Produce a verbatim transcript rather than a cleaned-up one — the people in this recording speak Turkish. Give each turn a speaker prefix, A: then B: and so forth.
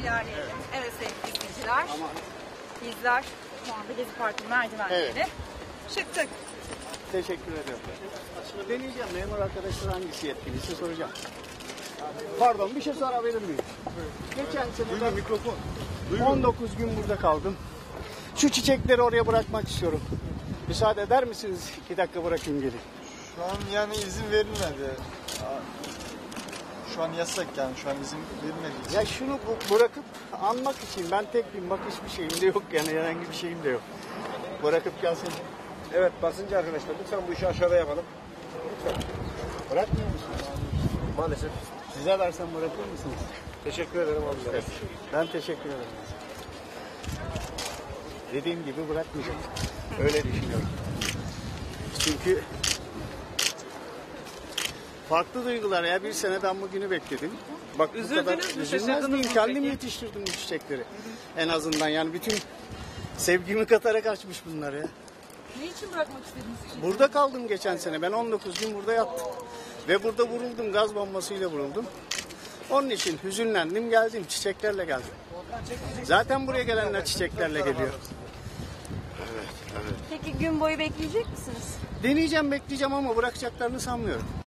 A: ilerleyelim. Evet sevgili izleyiciler. Bizler şu anda Gezi Parkı'nın merdivenlerine
B: Evet.
A: çıktık.
B: Teşekkür ediyorum. Deneyeceğim. Memur arkadaşlar hangisi yetkiliyse soracağım. Pardon, bir şey sorabilir miyim? Geçen sene ben
C: mikrofon.
B: on dokuz gün burada kaldım. Şu çiçekleri oraya bırakmak istiyorum. Müsaade eder misiniz? İki dakika bırakayım gelin.
C: Şu an yani izin verilmedi. Şu an yasak yani. Şu an izin verilmedi.
B: Ya şunu bu- bırakıp anmak için ben tek bir bakış bir şeyim de yok yani herhangi bir şeyim de yok. Bırakıp gelsin.
D: Evet basıncı arkadaşlar lütfen bu işi aşağıda yapalım. Lütfen.
B: Bırakmıyor musunuz?
D: Maalesef.
B: Size versem bırakır mısınız?
D: Teşekkür ederim abi.
B: Ben teşekkür ederim. Dediğim gibi bırakmayacağım. Öyle düşünüyorum. Çünkü farklı duygular ya. Bir sene ben bugünü bekledim. Bak bu
A: Üzüldünüz
B: kadar
A: mü,
B: üzülmez
A: şaşırdınız
B: miyim?
A: mı
B: Kendim
A: peki?
B: yetiştirdim bu çiçekleri. En azından yani bütün sevgimi katarak açmış bunlar ya.
A: Niçin bırakmak istediniz?
B: Burada kaldım geçen sene. Ben on dokuz gün burada yattım. Ve burada vuruldum. Gaz bombasıyla vuruldum. Onun için hüzünlendim geldim. Çiçeklerle geldim. Zaten buraya gelenler çiçeklerle geliyor.
A: Peki gün boyu bekleyecek misiniz?
B: Deneyeceğim bekleyeceğim ama bırakacaklarını sanmıyorum.